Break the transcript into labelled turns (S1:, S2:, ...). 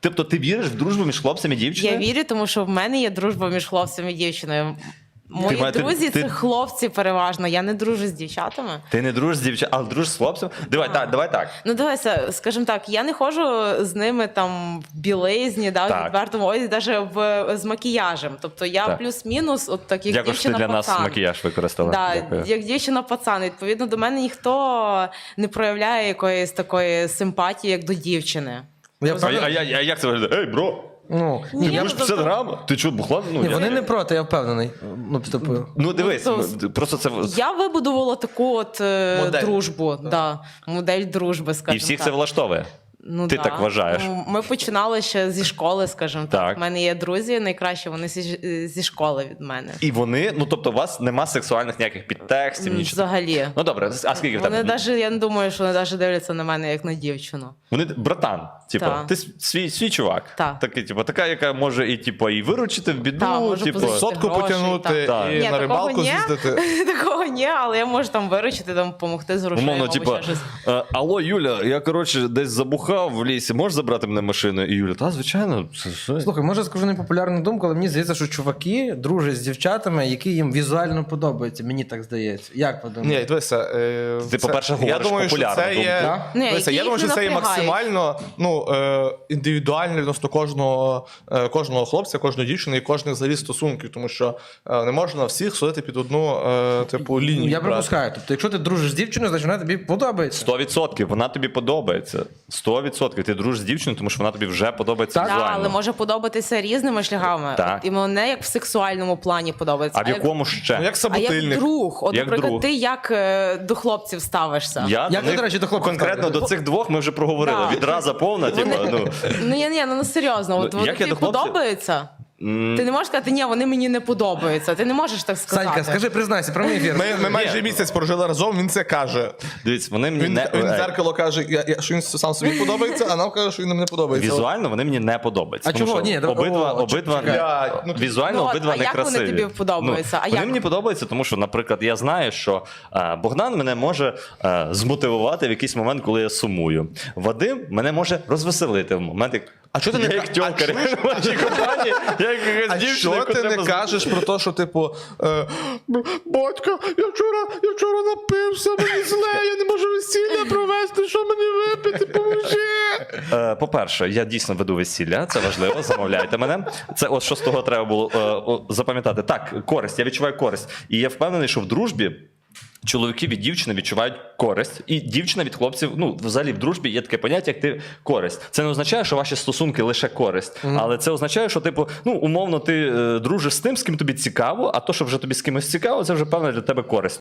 S1: Тобто ти віриш в дружбу між хлопцем і дівчиною?
S2: Я вірю, тому що в мене є дружба між хлопцем і дівчиною. Мої друзі це хлопці переважно, я не дружу з дівчатами.
S1: Ти не дружиш з дівчатами, але дружиш з хлопцем? Давай так.
S2: Ну дивися, скажімо так, я не ходжу з ними там в білизні, да, в відвертому одязі, навіть з макіяжем. Тобто я плюс-мінус, от так як
S1: дівчина-пацан. Дякую, що ти для нас макіяж використала.
S2: Да, як дівчина-пацан. Відповідно, до мене ніхто не проявляє якоїсь такої симпатії, як до дівчини.
S1: А як це виглядає? Ей, бро!
S3: Ну,
S1: ти будеш 50 грам? Ти чого, бухла?
S3: Ні, вони не проти, я впевнений.
S1: Ну, дивись, просто це...
S2: Я вибудувала таку от дружбу, модель дружби, скажімо так.
S1: І всіх це влаштовує?
S2: Ну,
S1: ти так вважаєш?
S2: Ми починали ще зі школи, скажімо так. У мене є друзі, найкраще вони зі школи від мене.
S1: І вони, ну тобто у вас нема сексуальних ніяких підтекстів, нічого?
S2: Взагалі.
S1: Ну добре, а скільки в тебе?
S2: Вони навіть, я не думаю, що вони навіть дивляться на мене як на дівчину.
S1: Вони, братан, типу, ти свій чувак. Такий, типу, така, яка може і, типу, і виручити в біду,
S2: типу,
S4: сотку потягнути і на рибалку з'їздити.
S2: Такого ні, але я можу там виручити, там допомогти з грошима.
S1: Умовно, типу, алло, Юля, я, коротше, десь забухав в лісі, можеш забрати мене машину? І Юля, та, звичайно.
S3: Слухай, може скажу непопулярну думку, але мені здається, що чуваки дружать з дівчатами, які їм візуально подобаються. Мені так здається. Як подумаєш?
S4: Ні, дивися.
S1: Ти, по-перше, говориш популярну думку.
S4: Я думаю, що це є максимально індивідуально відносно кожного хлопця, кожної дівчини і кожних взагалі стосунків, тому що не можна всіх судити під одну типу лінію.
S3: Я припускаю. Тобто, якщо ти дружиш з дівчиною, значить вона тобі подобається.
S1: 100%. Вона тобі подобається. 100%. Ти дружиш з дівчиною, тому що вона тобі вже подобається візуально.
S2: Так, але може подобатися різними шляхами. І не як в сексуальному плані подобається.
S1: А в якому ще?
S4: Як собутильник.
S2: А як друг. От, наприклад, ти як до хлопців ставишся?
S3: Як ти, до речі, до хлопців
S1: конкретно до цих двох ми вже проговорили. Відразу повна, типу,
S2: Ну, серйозно. От вони тобі подобаються? Ти не можеш сказати, ні, вони мені не подобаються. Ти не можеш так сказати.
S3: Санька, скажи, признайся, прямий ефір.
S4: Ми майже місяць прожили разом, він це каже.
S1: Дивіться, вони мені
S4: Він в дзеркало каже, що він сам собі подобається, а нам каже, що він нам не подобається.
S1: Візуально вони мені не подобаються.
S3: А чого? Ні,
S1: візуально обидва не красиві.
S2: А як вони тобі подобаються?
S1: Вони мені подобаються, тому що, наприклад, я знаю, що Богдан мене може змотивувати в якийсь момент, коли я сумую. Вадим мене може розвеселити в момент,
S4: а що ти не
S1: як тьомкар в вашій компанії,
S4: а що ти не кажеш про те, що, типу, батько, я вчора напився, мені зле, я не можу весілля провести, що мені випити, поможи.
S1: По-перше, я дійсно веду весілля, це важливо, замовляйте мене. Це ось що з того треба було запам'ятати. Так, користь, я відчуваю користь. І я впевнений, що в дружбі чоловіки від дівчини відчувають користь, і дівчина від хлопців, ну, взагалі в дружбі є таке поняття, як ти користь. Це не означає, що ваші стосунки лише користь, але це означає, що, типу, ну, умовно, ти дружиш з тим, з ким тобі цікаво, а то, що вже тобі з кимось цікаво, це вже, певно, для тебе користь.